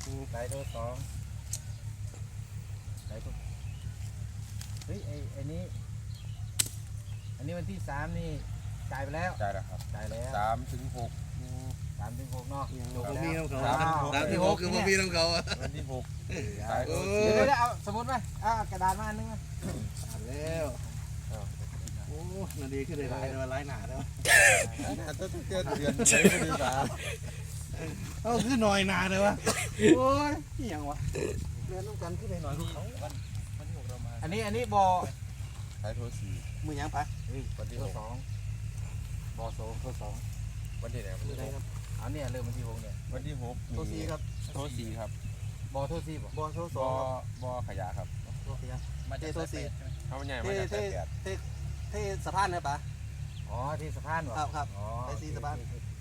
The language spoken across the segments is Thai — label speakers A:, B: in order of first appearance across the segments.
A: สายโทรสองสายโทรเฮ้ยอันนี้วันที่3นี่จ่ายไปแล้ว
B: จ่ายแล้วครับ
A: จ่ายแล้ว
B: 3 ถึง 6
A: 3 ถึง 6เนาะ
C: จบแล้ว
A: 3
C: ที่ 6คือพ่อพี่น้องเขา
B: วันที่ 6สาย
A: เดี๋ยวเอาสมุดไหมกระดาษมาอันนึง
C: แล้วโอ้นาดีขึ้นได้หลายหนาแล้ว
B: ต้องเดือนใช้ไม่ดีกว่า
C: ขึ้นหน่อยหนาเลยวะโอ้ยนี่ยังวะเรียนต้องกันขึ้นได้หน่อยลูกเขา
B: วันที่ 6เรามา
A: อันนี้บอ
B: สายโทร4
C: มือยังปะ
B: วันที่ 6
A: 2บอโซโทร2
B: วันที่ไหนวันที่ไหนครับ
A: เนี่ยเริ่มวันที่ 6เนี่ย
B: วันที่ 6
C: โทร4ครับ
B: โทร4ครับ
A: บอโทร4บ่
C: บอโทร2
B: บอขยะครับ
C: บอขยะมาเจโทร4
B: เขาใหญ่มาจากสาย8
C: เทสะพานนะปะ
A: ที่สะพานบ่
C: ครับไปซีสะพาน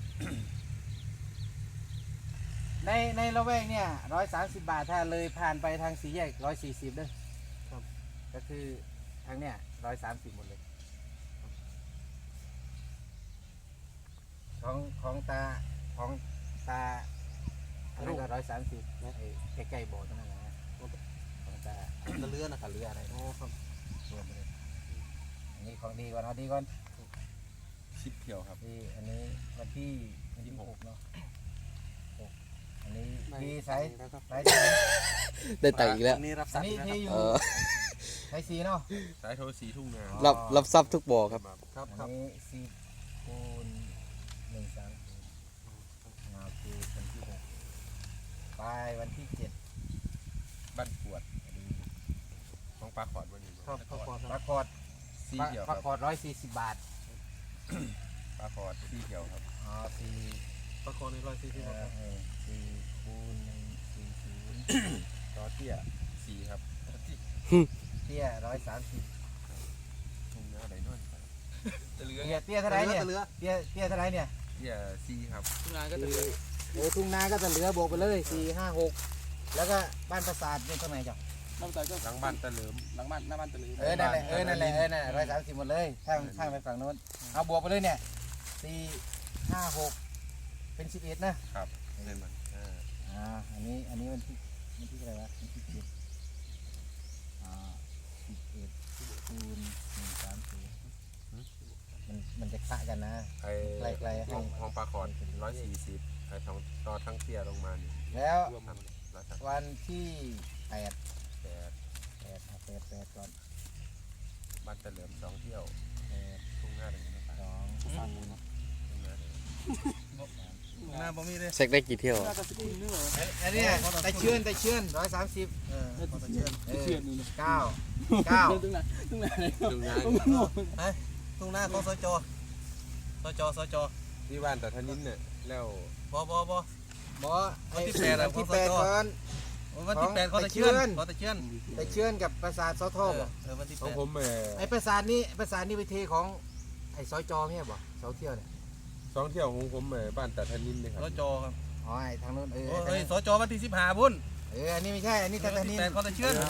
A: ในละแวกเนี่ย130 บาทถ้าเลยผ่านไปทาง4 แยก140ด้วย
C: ครับ
A: ก็คือทางเนี่ย130หมดเลยของตาอันนั้นก็130นะใกล้ๆโบสถ์นั่นแหละของตา
C: เรือนะ
A: เรืออะไร
C: ครับ
A: รวมไปเลยอันนี้ของดีก่อนเอาดีก่อน
B: 10 เที่ยวครับ
A: ที่อันนี้วันที่6เนาะอันนี้ที่สาย
D: ได้ตังค์อีกแล้ว
C: นี่รับ
A: อันนี้ที่อยู่สาย4เนาะ
B: สายโทร4 ทุ่งนา
D: รับทรัพย์ทุกบ่อครับ
A: อันนี้4 คูณ 130คือวันที่ 6ไปวันที่ 7
B: บ้านปวดของปลาขอดวันนี้
C: ครับ
A: ปลาคอด
B: 4 เที่ยว
A: ปลาคอด140 บาท
B: ปลาขอด4 เที่ยวครับ
C: ปลาคอใน140 บาท
A: 4 คูณ 140
B: ต่อเที่ย4ครับ
A: เตี้ย130
B: ทุ่งนาไหนนู่น
A: เตี้ยเท่าไรเนี่ยเตี้ยเท่าไรเนี่ย
B: เที่ย4ครับ
C: ทุ่งนาก็จะ
A: ทุ่งนาก็จะเหลือบวกไปเลย4 5 6แล้วก็บ้านปราสาทอยู่ตรงไหนจ๊ะ
B: หลังบ้านตะเหลิม
C: หลังบ้านหน้าบ้านตะลือ
A: นั่นแหละ130หมดเลยข้างไปฝั่งโน้นเอาบวกไปเลยเนี่ย4 5 6เป็น11นะครับ
B: เป็นมัน
A: อันนี้วันที่อะไรวะวันที่7 11 คูณ 130มันจะคะกันนะไกลๆ
B: ห้องปลาขอด140ไอ้ต่อทั้งเที่ยลงมานี่
A: แล้ววันที่8ก่อน
B: บ้านตะเหลิม2 เที่ยวทุ่งนาเลยนะครับ
A: 2
C: หน้าบ่มีเลย
D: เช็คได้กี่เที่ยว
A: อันนี้ตะเชื่อน130
C: เชื่อนนี่
A: 9
C: ทุ่งนาทุ่งนาของสจ
B: ที่บ้านแต่ทนินเนี่ยแล้ว
C: บ
A: วันที่8ก่อน
C: วันที่8เขาตะเชื่
A: อนกับปราสาทสทบ่
C: วันที่
B: ของผม
A: ไอ้ปราสาทนี้ไปเทของไอ้สจไม่ใช่บ่เสาเที่ยวเนี่ย
B: 2 เที่ยวของผมบ้านแต่ทนินเลยครับ
C: สจครับ
A: ไอ้ทางโน้น
C: สจวันที่15บุญ
A: อันนี้ไม่ใช่อันนี้แต่นี้
C: เขาตะเชื่อน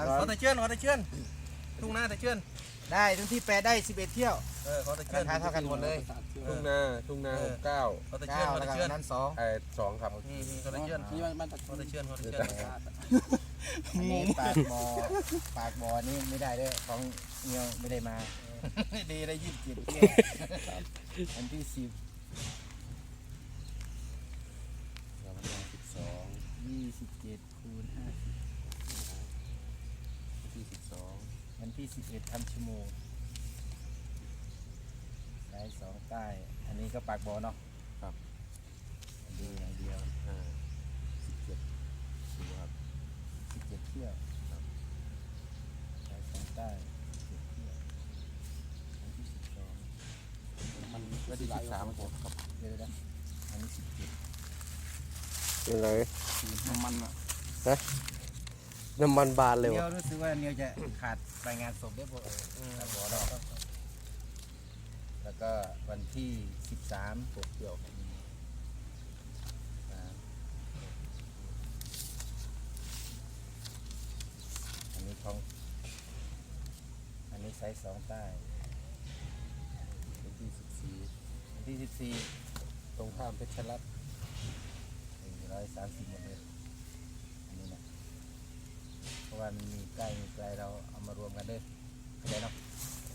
C: ทุ่งนาตะเชื่อน
A: ได้ทั้งที่8ได้11 เที่ยว
C: เขาตะเชื่อน
A: ราคาเท่ากันหมดเลย
B: ทุ่งนา69
C: เขาตะเชื่อน
A: นั้น
B: 2ครับ
C: เขาตะเชื่อนนี่บ้านเขาตะเชื่อน
A: อันนี้ปากบ่อนี่ไม่ได้ด้วยของเงียวไม่ได้มาดีได้27 เที่ยวอันที่10 27 คูณ 50
B: ที่12
A: วันที่11ทำชั่วโมงสาย2ใต้อันนี้ก็ปากบ่อเนาะ
B: ครับ
A: ดีอย่างเดียว
B: 17ครับ
A: 17 เที่ยวสาย2ใต้17 เที่ยววันที่12
B: มันวันที่13ครับ
A: เดี๋ยวนะอันนี้17
D: เป็นไร
C: น้ำมัน
D: น้ำมันบานเลย
A: รู้สึกว่าเนียวจะขาดรายงานศพได้บ่บ่อเนาะแล้วก็วันที่13 6 เที่ยวอันนี้ไซส์2ใต้
B: วันที่14
A: ตรงข้ามเพชรรัตน์130หมดเลยว่ามันมีใกล้มีไกลเราเอามารวมกันเด้อเข้าใจเนาะ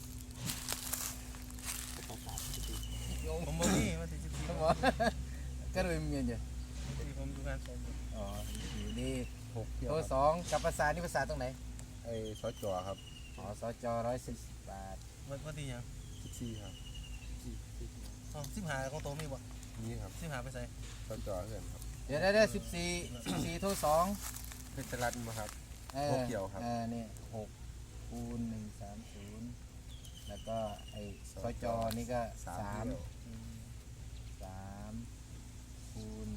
C: ผมบ่มีมันสิ
A: ต้องบอกก็เลยมีเงินอยู่
C: ที่ผมดูงานส่ง
A: อ๋ออยู่นี่
B: 6 เที่ยว
A: โทร
B: ครับ
A: สองกับภาษานี่ภาษาตรงไหน
B: ไอ้สจครับ
A: อ๋อสจ110 บาท
C: วันที่ยัง
B: 14ครับ
C: อ๋อ15ของโตมีบ่
B: นี่ครับ
C: 15ไปใส่
B: สจเพื่อนครับ
A: เดี๋ยวได้14โทรสอง
B: เพชรรัตน์มาครับ หกเกี่ยวครับ
A: นี่6 คูณ 130แล้วก็ไอ้สจนี่ก็
B: 3
A: 3
B: เที่ยว
A: 3 คูณ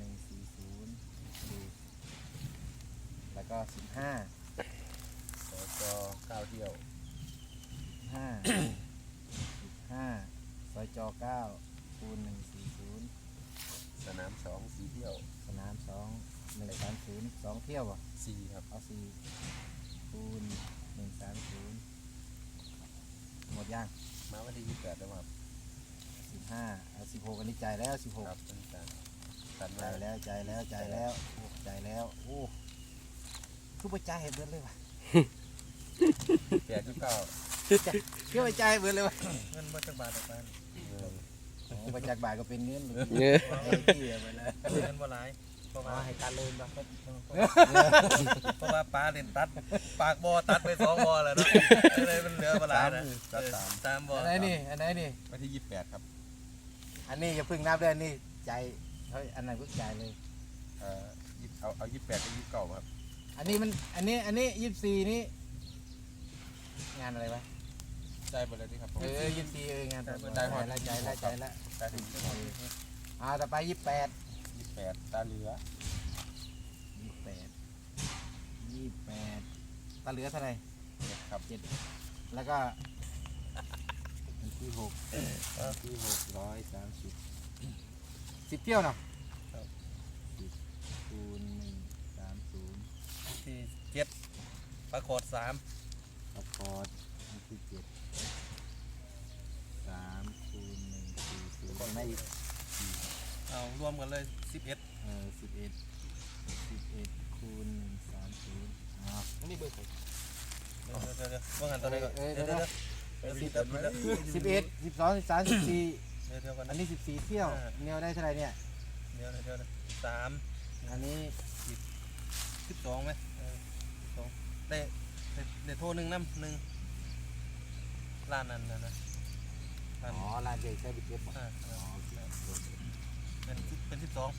A: 140แล้วก็15
B: สจ9 เที่ยว
A: 15 สจ9 คูณ 140
B: สนาม2 4 เที่ยว
A: สนาม2 130 2 เที่ยวป่ะ
B: 4ครับ
A: เอา4 คูณ 130 หมดยัง
B: มาวันที่28แล้วครับ
A: 15เอา16อันนี้จ่ายแล้ว 16
B: ครับเป็นการตัดมา
A: จ่ายแล้วจ่ายแล้วจ่ายแล้วโอ้จ่ายแล้วโอ้คือไปจ่ายให้เบิดเลยว่ะ
B: 8 9
A: คือไปจ่ายให้เบิดเลยว่ะ
C: เงินมาจากบาทออกไป
A: โอ้ไปจากบาทก็เป็นเงินเลย
D: เงี้ย
A: ไอ้ที่ไปเลย
C: เงินบ่หลายเพราะ
A: อ๋อ
C: ว่า
A: ให้การเลยป่ะ
C: เพราะว่าปลาเล่นตัดปากบ่อตัดไป2บ่อแล้วเนาะเลยมันเหลือบ่หลายนะ3บ่อ
A: อันไหนนี่อันไหนนี่
B: วันที่28ครับ
A: อันนี้อย่าเพึ่งนับเลยอันนี้จ่ายเฮ้ยอันไหนก็จ่ายเลย
B: เอา28กับ29ครับ
A: อันนี้มันอันนี้24นี่งานอะไรวะ
B: ได้หมดแล้วนี่ครับผม
A: 24งานต่อ
B: ได้หมด
A: แล้วจ่ายแล้วจ่ายแล้ว
B: ได้ถึง
A: ต่อไป28
B: 28ตาเหลือ
A: 28ตาเหลือเท่าไหร่
B: ครับ
A: แล้วก็อันที่6อันที่630 10 เที่ยวเนาะ10 คูณ 130
C: ที่7ปลาโคด3
A: ประกอบอันที่7 3 คูณ 140ไม่อีก
C: เอารวมกันเลย11
A: 11 คูณ 130อ้าวนี่เบอร์ใคร
C: เดี๋ยวว่างันตัวไหนก่อนเดี๋ยว
A: 11 12 13 14
C: เดี๋ยวก่อน
A: อันนี้14 เที่ยวเนียวได้เท่าไหร่เนี่ย
C: เดี๋ยว3
A: อันนี้
C: 12ไหม2ได้โทร1น้ำ1ล้านนั้นนะล้าน
A: อ๋อลานเด็กใช้บิดเจ็ตป่ะ
C: อ๋อ
A: อ๋อ
C: เป็น12
A: เป็น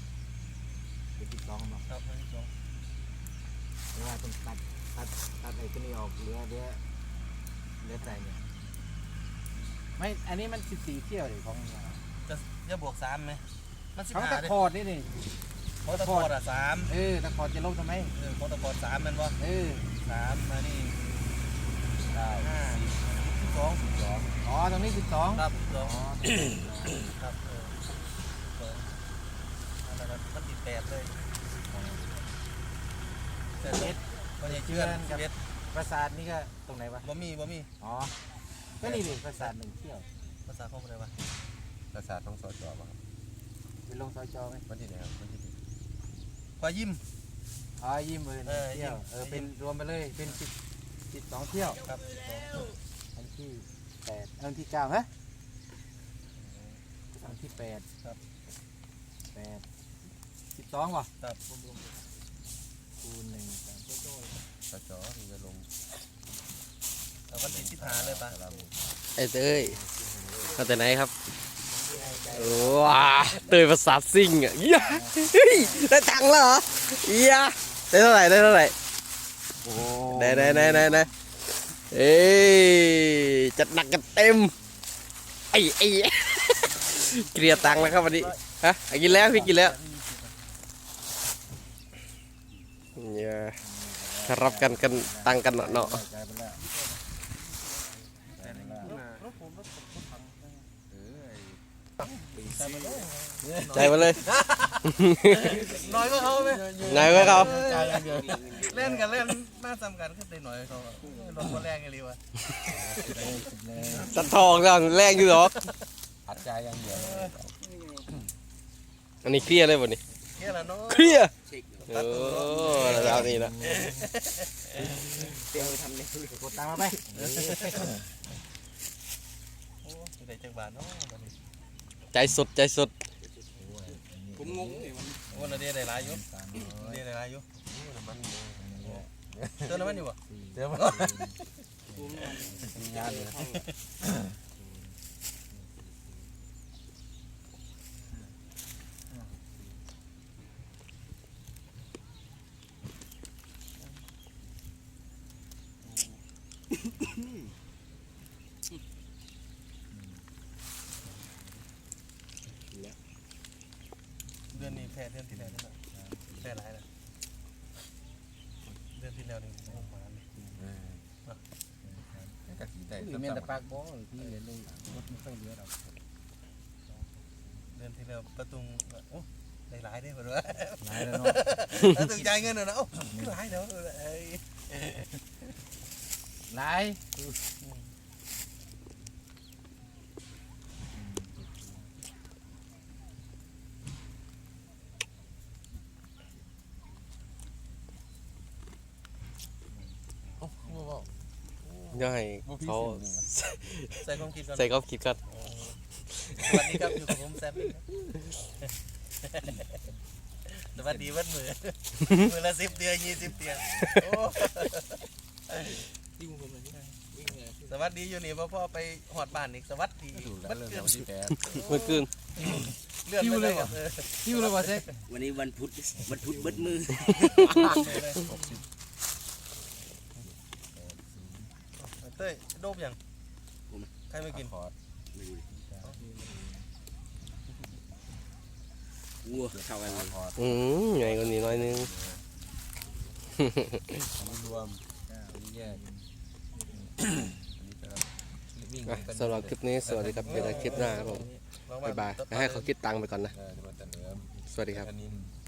A: 12มา
C: ครับเป็น12
A: เวลาต้องตัดไอ้ตัวนี้ออกเหลือใจเนี่ยไม่อันนี้มัน14 เที่ยวเลยของ
C: จะบวก3ไหมมัน
A: เขาตะ
C: 15
A: คอดนี่นี่
C: เขาตะโกด3
A: ตะคอดจะลบทำไม
C: เขาตะโกด3มันบ่3มานี่5 12
A: อ๋อตรงนี้12
C: ครับ
A: อ๋อ
C: 2ครับอันนั้นมันติด8เลย11มันจะเชื่อน11
A: ปราสาทนี่ก็ตรงไหนวะ
C: บ่มี
A: อ๋อก็นี่ดิปราสาท1 เที่ยว
C: ภาษาของอะไรวะ
B: ภาษาต้องสจป่ะครับ
A: ไปลงซอยจอไหม
B: วันที่ไหนครับวันที่
C: ควายยิ้ม
A: อ๋อยิ้มเบอร์1 เที่ยวเป็นรวมไปเลยเป็น12 เที่ยว
C: ครับ
A: อันที่8อันที่9ฮะอันที่8
C: ครับ
A: 8 12ว่ะ
C: ครับ
A: คูณ1 3
B: สจที่จะลง
C: แต่วันที่15เลยปะ
D: ไอ้เต้ยมาแต่ไหนครับว้าเต้ยประสาทซิ่งอ่ะเหี้ยเฮ้ยได้ตังค์แล้วเหรอเหี้ยได้เท่าไหร่
A: โอ้
D: ได้เอ้ยจัดหนักกันเต็มไอ้เกลียตังค์แล้วครับวันนี้ฮะกินแล้วพี่กินแล้วเนี่ยรับกันตังกันเนาะ
A: ใจไปแล้ว
D: ใจมาเลย
C: น้อยก็เขาไหม
D: ไงไว้เขา
C: เล่นกันเล่นน่าจำกันขึ้นได้หน่อยเขาลงคนแรกไงรีวะ
D: สัตว์ทองจังแรงอยู่หรอ
B: อัดใจยังเดียว
D: อันนี้เครียดเลยวันนี้
C: เลียร์แล้วเนาะ
D: เคลียร์
E: เช็ค
D: โอ้แล้วนี่นะ
E: เตรียมไปทำเนี่ย
A: กดตามมาไป
C: โอ้ได้จังบาทเนาะบัดนี้
D: ใจสุดใจสุด
E: ผมงงเลยมัน
C: โอ้เราได้หลายอยู่
A: 300
C: ได้หลายอยู่
B: มัน
C: เติมน้ำมันอยู่บ่
B: เดี๋ยวมัน
E: ผมมัน
B: งานเลย
C: เดือนนี้แพ้เดือนที่แล้วนี่นะแพ้หลายนะเดือนที่แล้วนี่โอ้มาเลย
B: กะสีได้
A: คือแม่นแต่ปากบ่ที่เหลือเลยรถไม่ค่อยเหลือดอก
C: เดือนที่แล้วประตุงโอ้ได้หลายได้อเพิ่นว่า
A: หลายแล้วเนาะ
C: ประตุงจ่ายเงินน่ะนะโอ้หลายเด้อเอ้ย
A: หลาย
D: ย่อยเขา
C: ใส่ความคิดก่อน
D: ใส่ก็คิดกัน
C: สวัสดีครับอยู่กับผมแซมสวัสดีวันมือมือละ10เดือน20เดือนโอ้
E: ดิ้งผมเลยวิ่งเลย
C: สวัสดีอยู่นี่พ่อไปหอดบ้านอีกสวัสดี
B: ถูกแล้ว
C: มัน
B: เรื่อง
C: เกิน
B: วันที่แปด
D: เมื่อคืน
C: เลื่อนไปเลยครับ
A: คิวเลยว่าเซ็ก
E: วันนี้วันพุธเบิดมือ
C: เต้ยโดบยังใครไม่กิน
B: คอร์ด
E: ไม่รู้วัวเข้ากันเลย
B: คอร์ด
D: ไงคนนี้น้อยนึง
B: รวมนี่แยกวิ่ง
D: สำหรับคลิปนี้สวัสดีครับเจอกันคลิปหน้าครับผมบ๊ายบายแล้วให้เขาคิดตังค์ไปก่อนนะ
B: จะมาแต่เนื้อ
D: สวัสดีครับ
B: อันนี้